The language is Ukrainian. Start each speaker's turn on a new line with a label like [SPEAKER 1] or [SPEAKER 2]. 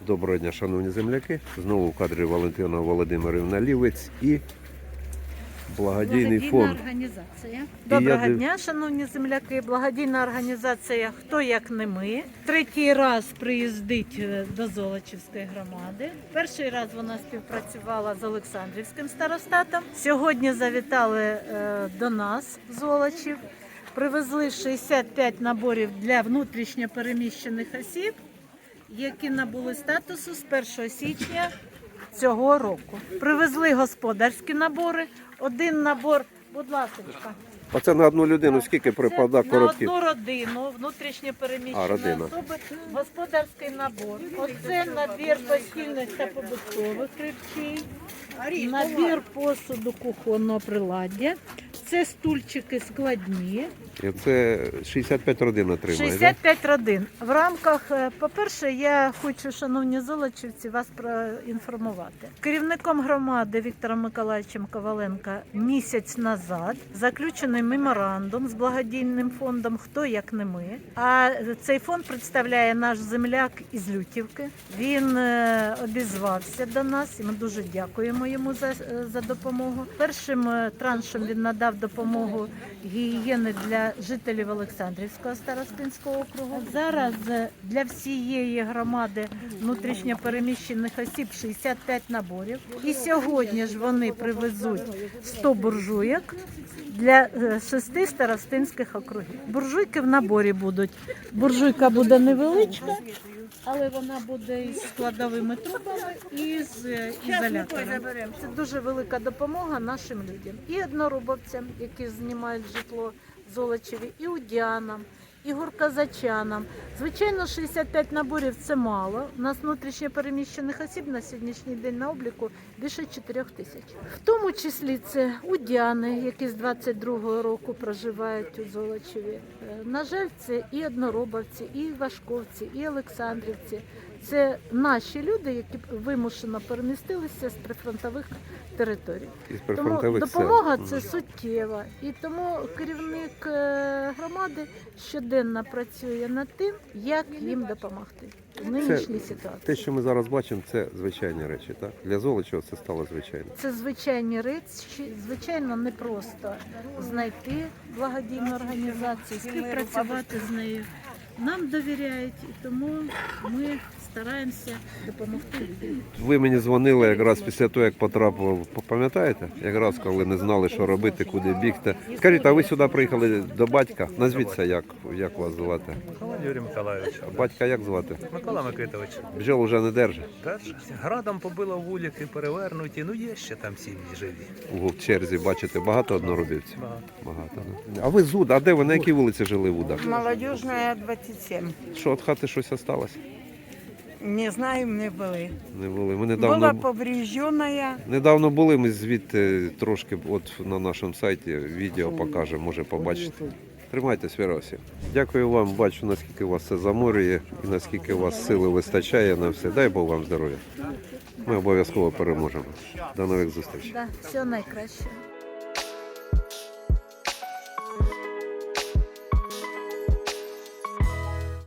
[SPEAKER 1] Доброго дня, шановні земляки. Знову в кадрі Валентина Володимирівна Лівець і благодійний фонд.
[SPEAKER 2] Організація. Доброго дня, шановні земляки. Благодійна організація «Хто як не ми». Третій раз приїздить до Золочівської громади. Перший раз вона співпрацювала з Олександрівським старостатом. Сьогодні завітали до нас в Золочів. Привезли 65 наборів для внутрішньо переміщених осіб, які набули статусу з 1 січня цього року. Привезли господарські набори. Один набор, будь ласка.
[SPEAKER 1] А це на одну людину скільки припадає коробків?
[SPEAKER 2] На одну родину, внутрішньо переміщені особи, господарський набор. Оце набір постільних та побутових речей, набір посуду кухонного приладдя. Це стульчики складні.
[SPEAKER 1] І це 65 родин отримає,
[SPEAKER 2] 65 родин. В рамках, по-перше, я хочу, шановні золочівці, вас проінформувати. Керівником громади Віктором Миколаївичем Коваленко місяць назад заключений меморандум з благодійним фондом «Хто як не ми». А цей фонд представляє наш земляк із Лютівки. Він обізвався до нас і ми дуже дякуємо йому за допомогу. Першим траншем він надав допомогу гігієни для жителів Олександрівського старостинського округу. Зараз для всієї громади внутрішньо переміщених осіб 65 наборів. І сьогодні ж вони привезуть 100 буржуйок для 6 старостинських округів. Буржуйки в наборі будуть. Буржуйка буде невеличка, але вона буде із складовими трубами і з ізолятором. Це дуже велика допомога нашим людям. І однорубовцям, які знімають житло в Золочеві, і удянам, і гурказачанам. Звичайно, 65 наборів – це мало. У нас внутрішньо переміщених осіб на сьогоднішній день на обліку більше 4 тисяч. В тому числі це удяни, які з 22-го року проживають у Золочеві. На жаль, це і одноробовці, і важковці, і олександрівці. Це наші люди, які вимушено перемістилися з прифронтових територій. Тому допомога це суттєва. І тому керівник громади щоденно працює над тим, як їм допомогти в нинішній ситуації.
[SPEAKER 1] Те, що ми зараз бачимо, це звичайні речі, так? Для Золочева це стало звичайно.
[SPEAKER 2] Це звичайні речі. Звичайно, не просто знайти благодійну організацію, співпрацювати з нею. Нам довіряють, і тому ми стараємося допомогти людям.
[SPEAKER 1] Ви мені дзвонили якраз після того, як потрапив, пам'ятаєте? Якраз коли не знали, що робити, куди бігти. Скажіть, а ви сюди приїхали до батька? Назвіться, як вас звати?
[SPEAKER 3] Юрій Миколаївич.
[SPEAKER 1] Батька як звати?
[SPEAKER 3] Микола Микитович.
[SPEAKER 1] Бджіл вже не держить?
[SPEAKER 3] Держить. Градом побило вулики, перевернуті, ну є ще там сім'ї живі.
[SPEAKER 1] У черзі, бачите, багато одноробівців?
[SPEAKER 3] Багато.
[SPEAKER 1] Да? А ви з Уда? А де ви, на якій вулиці жили в Удах?
[SPEAKER 4] Молодежная, 27.
[SPEAKER 1] Що, від хати щось осталось?
[SPEAKER 4] Не знаю, не були.
[SPEAKER 1] Не були. Ми
[SPEAKER 4] Була повреждена.
[SPEAKER 1] недавно були, ми звідти трошки от на нашому сайті відео покажемо, може побачите. Тримайтесь, Віра Василь. Дякую вам, бачу, наскільки вас це заморює і наскільки у вас сили вистачає на все. Дай Бог вам здоров'я. Ми обов'язково переможемо. До нових зустрічей.
[SPEAKER 2] Да, все найкраще.